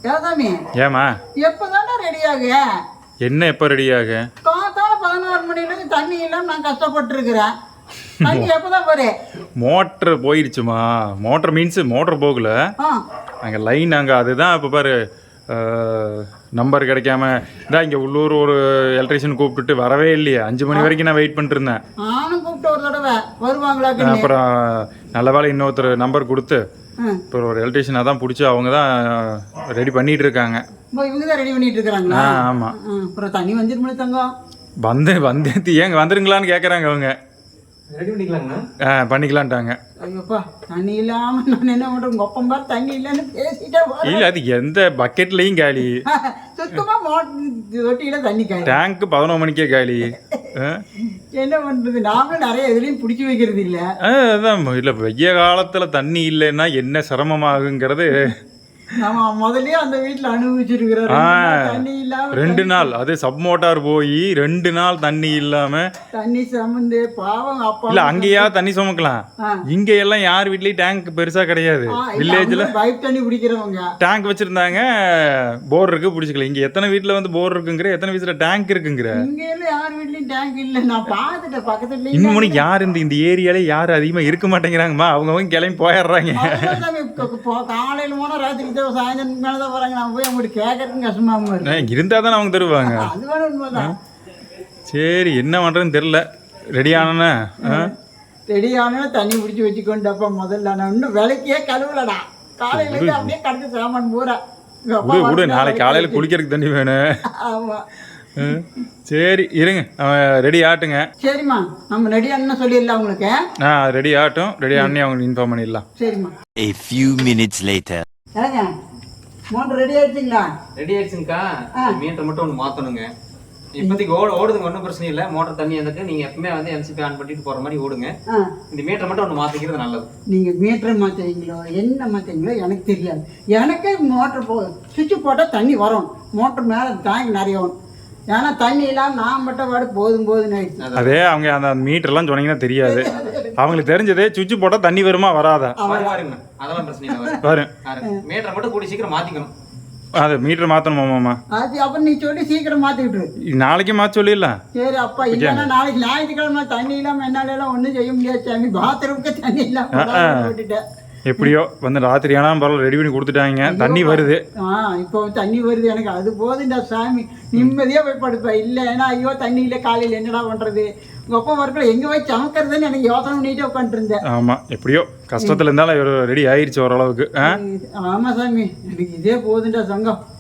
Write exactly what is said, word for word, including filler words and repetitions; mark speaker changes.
Speaker 1: ஏதாமி
Speaker 2: ஏமா
Speaker 1: எப்பதானே ரெடி ஆகு?
Speaker 2: என்ன எப்போ ரெடி ஆகு?
Speaker 1: காத்தால பதினோரு மணிலேருந்து தண்ணி இல்லாம நான் கஷ்டப்பட்டு இருக்கிறேன். தண்ணி எப்பதான் போறே?
Speaker 2: மோட்டர் போயிடுச்சுமா. மோட்டர் மீன்ஸ் மோட்டர் போகல, அங்கே லைன் அங்கே அதுதான் இப்போ பாரு நம்பர் கிடைக்காம இதான் இங்கே உள்ளூர் ஒரு எலக்ட்ரிஷியன் கூப்பிட்டுட்டு வரவே இல்லையே. அஞ்சு மணி வரைக்கும் நான் வெயிட் பண்ணிட்டு இருந்தேன்.
Speaker 1: நானும் கூப்பிட்டு ஒரு தடவை வருவாங்களா?
Speaker 2: அப்புறம் நல்ல வேலை இன்னொருத்தர் நம்பர் கொடுத்து இப்போ ஒரு எலக்ட்ரிஷியனாக தான் பிடிச்சி அவங்க தான் ரெடி பண்ணிட்டு இருக்காங்க.
Speaker 1: இவங்க தான் ரெடி பண்ணிட்டு இருக்காங்களா?
Speaker 2: ஆமாம்.
Speaker 1: அப்புறம் தண்ணி வந்துருமே தங்கம். வந்து
Speaker 2: வந்து ஏங்க வந்துருங்களான்னு கேட்குறாங்க அவங்க.
Speaker 3: ரெடி பண்ணிக்கலாங்கண்ணா?
Speaker 2: ஆ பண்ணிக்கலான்ட்டாங்க.
Speaker 1: ஐயோப்பா தண்ணி இல்லாமல் நான் என்ன பண்ணுறேன்? உங்கள் ஒப்பம் பார் தண்ணி இல்லைன்னு பேசிட்டே
Speaker 2: இல்லை, அது எந்த பக்கெட்லையும் காலி.
Speaker 1: சுத்தமாக மோட்டர் தொட்டியில் தண்ணி காலி.
Speaker 2: டேங்க்கு பதினொரு மணிக்கே காலி.
Speaker 1: என்ன பண்ணுறது? நாமளும் நிறைய இதுலேயும் பிடிச்சி வைக்கிறது இல்லை.
Speaker 2: அதான் இல்லை, வெய்ய காலத்தில் தண்ணி இல்லைன்னா என்ன சிரமமாகுங்கிறது
Speaker 1: நம்ம முதல்ல அந்த வீட்டில் அனுபவிச்சிருக்கிறோம். தண்ணி இல்லாம
Speaker 2: ரெண்டு நாள் அது சப் மோட்டார் போய் ரெண்டு நாள் தண்ணி இல்லாம
Speaker 1: தண்ணி சமந்து பாவம். அப்பா
Speaker 2: இல்ல அங்கேயா தண்ணி சுமக்கலாம். இங்க எல்லாம் யார் வீட்லயும் டேங்க் பெருசா கிடையாது. வில்லேஜ்ல
Speaker 1: பைப் தண்ணி பிடிக்கிறவங்க
Speaker 2: டேங்க் வச்சிருந்தாங்க, போர் இருக்கு பிடிச்சிக்கல. இங்க எத்தனை வீட்டுல வந்து போர் இருக்குங்கிற, எத்தனை வீட்டுல டேங்க் இருக்குங்கிற.
Speaker 1: இங்க எல்லாம் யார் வீட்லயும் டேங்க் இல்ல. நான் பாத்துட்டேன் பக்கத்துல.
Speaker 2: இன்னும் யார் இந்த இந்த ஏரியால யாரும் அதிகமா இருக்க மாட்டேங்கிறாங்கம்மா. அவங்கவுங்க கிளம்பி போயிடுறாங்க.
Speaker 1: காலையில போனா ராத்திரி சாயந்தரம் மேலதான் வராங்க. நான் போய் அவங்களுக்கு கேட்கறதுக்கு கஷ்டமா இருக்கு.
Speaker 2: இருந்தா தான் அவங்க தருவாங்க.
Speaker 1: அது வேற உண்மைதான்.
Speaker 2: சரி என்ன பண்றதுன்னு தெரியல. ரெடி ஆனா
Speaker 1: ரெடி ஆனா தண்ணி பிடிச்சி வச்சுக்கொண்டப்ப முதல்ல நான் இன்னும் விளக்கே கழுவலடா. காலையில இருந்து அப்படியே கடந்து சாமான் பூரா
Speaker 2: விடு. நாளைக்கு காலையில குளிக்கிறதுக்கு தண்ணி வேணும்.
Speaker 1: ஆமா
Speaker 2: சரி இருங்க, ரெடி ஆட்டுங்க.
Speaker 1: சரிம்மா, நம்ம ரெடி ஆனா சொல்லிடலாம் உங்களுக்கு.
Speaker 2: ஆ ரெடி ஆட்டும். ரெடி ஆனே அவங்களுக்கு இன்ஃபார்ம் பண்ணிடலாம்.
Speaker 1: சரிம்மா.
Speaker 4: A few minutes later.
Speaker 1: ஏங்க மோட்டர் ரெடி ஆயிடுச்சுங்களா?
Speaker 3: ரெடி ஆயிடுச்சுங்கக்கா. மீட்டர் மட்டும் ஒன்று மாற்றணுங்க. இப்போதைக்கு ஓடு ஓடுதுங்க, ஒன்றும் பிரச்சனை இல்லை. மோட்டர் தண்ணி வந்துட்டு நீங்கள் எப்பவுமே வந்து எம்சிபி ஆன் பண்ணிட்டு போகிற மாதிரி ஓடுங்க. இந்த மீட்டர் மட்டும் ஒன்று மாற்றிக்கிறது நல்லது.
Speaker 1: நீங்கள் மீட்டர் மாற்றுறீங்களோ என்ன மாற்றுறீங்களோ எனக்கு தெரியாது. எனக்கே மோட்டர் போ சுவிட்சு போட்டால் தண்ணி வரும். மோட்டர் மேலே டேங்க் நிறைய வரும். ஏன்னா தண்ணி இல்லாமல் நான் மட்டும் பாடு போதும் போதுன்னு ஆயிடுச்சு.
Speaker 2: அதே அவங்க அந்த மீட்டர்லாம் சொன்னீங்கன்னா தெரியாது. அவங்களுக்கு தெரிஞ்சதே சுவிட்சு போட்டால் தண்ணி வருமா வராதா?
Speaker 3: பாருங்க, அதெல்லாம் பிரச்சனை இல்லை.
Speaker 2: வரும்.
Speaker 3: மீட்டரை மட்டும் கூடி சீக்கிரம் மாற்றிக்கணும்.
Speaker 2: அது மீட்டர் மாற்றணுமாம்மா?
Speaker 1: அது அப்போ நீ சொல்லி சீக்கிரம் மாற்றிக்கிட்டு
Speaker 2: நாளைக்கு மாற்ற சொல்லிடலாம்.
Speaker 1: சரி அப்பா. இல்லைன்னா நாளைக்கு ஞாயிற்றுக்கிழமை தண்ணி இல்லாமல் என்னால எல்லாம் ஒன்றும் செய்ய முடியாது சாமி. பாத்ரூமுக்கு தண்ணி இல்லாமல் விட்டுட்டேன்.
Speaker 2: எப்படியோ வந்து ராத்திரி ஆனால் பரவாயில்ல ரெடி பண்ணி கொடுத்துட்டாங்க. தண்ணி வருது.
Speaker 1: ஆ இப்போ தண்ணி வருது. எனக்கு அது போதுண்டா சாமி. நிம்மதியாக போய் படுப்பேன். இல்லை ஏன்னா ஐயோ தண்ணி இல்லை காலையில் என்னடா பண்ணுறது? உங்கள் அப்பா ஒர்க்கில் எங்கே போய் சமைக்கிறதுன்னு எனக்கு யோசனை பண்ணிட்டு உட்காந்துருந்தேன்.
Speaker 2: ஆமாம், எப்படியோ கஷ்டத்தில் இருந்தாலும் ரெடி ஆயிடுச்சு ஓரளவுக்கு.
Speaker 1: ஆமாம் சாமி, எனக்கு இதே போதுண்டா சங்கம்.